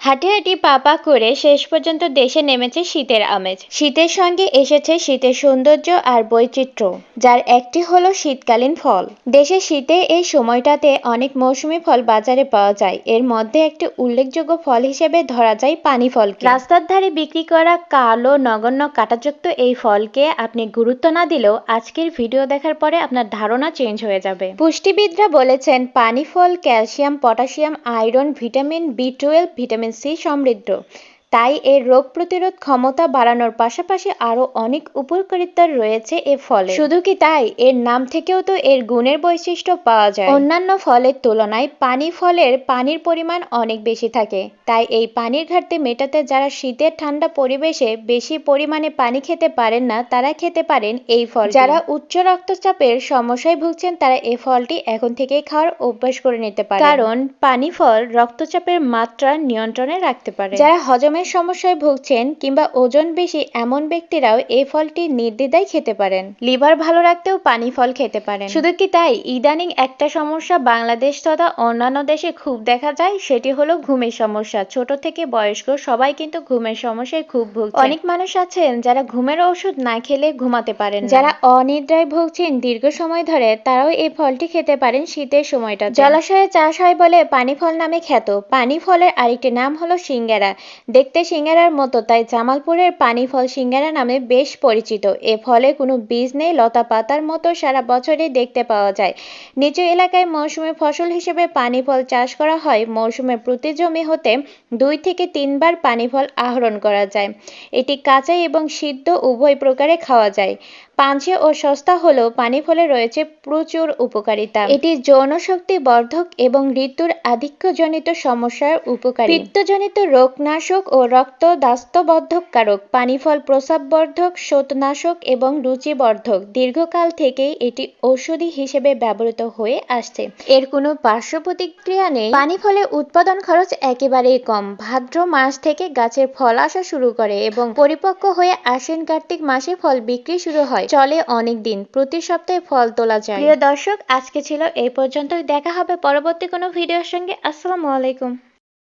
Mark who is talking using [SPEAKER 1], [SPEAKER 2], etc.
[SPEAKER 1] হাঁটি হাঁটি পা পা করে শেষ পর্যন্ত দেশে নেমেছে শীতের আমেজ। শীতের সঙ্গে এসেছে শীতের সৌন্দর্য আর বৈচিত্র্য, যার একটি হলো শীতকালীন ফল। দেশে শীতে এই সময়টাতে অনেক মৌসুমী ফল বাজারে পাওয়া যায়। এর মধ্যে একটি উল্লেখযোগ্য ফল হিসেবে ধরা যায় পানি ফলকে। রাস্তার ধারে বিক্রি করা কালো নগণ্য কাঁটাযুক্ত এই ফলকে আপনি গুরুত্ব না দিলেও আজকের ভিডিও দেখার পরে আপনার ধারণা চেঞ্জ হয়ে যাবে। পুষ্টিবিদরা বলেছেন পানি ফল ক্যালসিয়াম, পটাশিয়াম, আয়রন, ভিটামিন বি12, ভিটামিন সি সমৃদ্ধ। তাই এর রোগ প্রতিরোধ ক্ষমতা বাড়ানোর পাশাপাশি আরও অনেক উপকারিতা রয়েছে এ ফলে। শুধু কি তাই, এর নাম থেকেও তো এর গুণের বৈশিষ্ট্য পাওয়া যায়। অন্যান্য ফলের তুলনায় পানি ফলের পানির পরিমাণ অনেক বেশি থাকে। তাই এই পানির ঘাটতি মেটাতে যারা শীতের ঠান্ডা পরিবেশে বেশি পরিমাণে পানি খেতে পারেন না, তারা খেতে পারেন এই ফল। যারা উচ্চ রক্তচাপের সমস্যায় ভুগছেন তারা এই ফলটি এখন থেকেই খাওয়ার অভ্যাস করে নিতে পারে, কারণ পানি ফল রক্তচাপের মাত্রা নিয়ন্ত্রণে রাখতে পারে। যারা হজমের সমস্যায় ভুগছেন কিংবা ওজন বেশি এমন ব্যক্তিরাও এই ফলটি নির্দ্বিধায় খেতে পারেন। লিভার ভালো রাখতেও পানি ফল খেতে পারেন। শুধু কি তাই, ইদানিং একটা সমস্যা বাংলাদেশ তথা অন্যান্য দেশে খুব দেখা যায়, সেটি হলো ঘুমের সমস্যা। ছোট থেকে বয়স্ক সবাই কিন্তু ঘুমের সমস্যায় খুব ভুগছেন। অনেক মানুষ আছেন যারা ঘুমের ওষুধ না খেলে ঘুমাতে পারেন না। যারা অনিদ্রায় ভুগছেন দীর্ঘ সময় ধরে, তারাও এই ফলটি খেতে পারেন শীতের সময়টা। জলাশয়ে চাষ হয় বলে পানি ফল নামে খ্যাত। পানি ফলের আরেকটি নাম হলো সিঙ্গারা। দেখতে সিঙ্গারার মতো, তাই জামালপুরের পানি ফল সিঙ্গারা নামে বেশ পরিচিত। এ ফলে কোনো বীজ নেই, লতা পাতার মতো সারা বছরই দেখতে পাওয়া যায়। নিচু এলাকায় মৌসুমী ফসল হিসেবে পানি ফল চাষ করা হয়। মৌসুমে প্রতি জমি হতে 2 থেকে 3 বার পানি ফল আহরণ করা যায়। এটি কাঁচা এবং সিদ্ধ উভয় প্রকারে খাওয়া যায়। পাঞ্চে ও সস্তা হলেও পানি ফলে রয়েছে প্রচুর উপকারিতা। এটি যৌন শক্তি বর্ধক এবং ঋতুর আধিক্যজনিত সমস্যার উপকারী। পিত্তজনিত রোগনাশক ও রক্ত দাস্তবদ্ধকারক। পানি ফল প্রস্রাববর্ধক, শোথনাশক এবং রুচিবর্ধক। দীর্ঘকাল থেকেই এটি ঔষধি হিসেবে ব্যবহৃত হয়ে আসছে। এর কোনো পার্শ্ব প্রতিক্রিয়া নেই। পানি ফলে উৎপাদন খরচ একেবারেই কম। ভাদ্র মাস থেকে গাছের ফল আসা শুরু করে এবং পরিপক্ক হয়ে আশ্বিন কার্তিক মাসে ফল বিক্রি শুরু হয়। চলে অনেক দিন, প্রতি সপ্তাহে ফল তোলা যায়। প্রিয় দর্শক, আজকে ছিল এই পর্যন্তই। দেখা হবে পরবর্তী কোনো ভিডিওর সঙ্গে। আসসালামু আলাইকুম।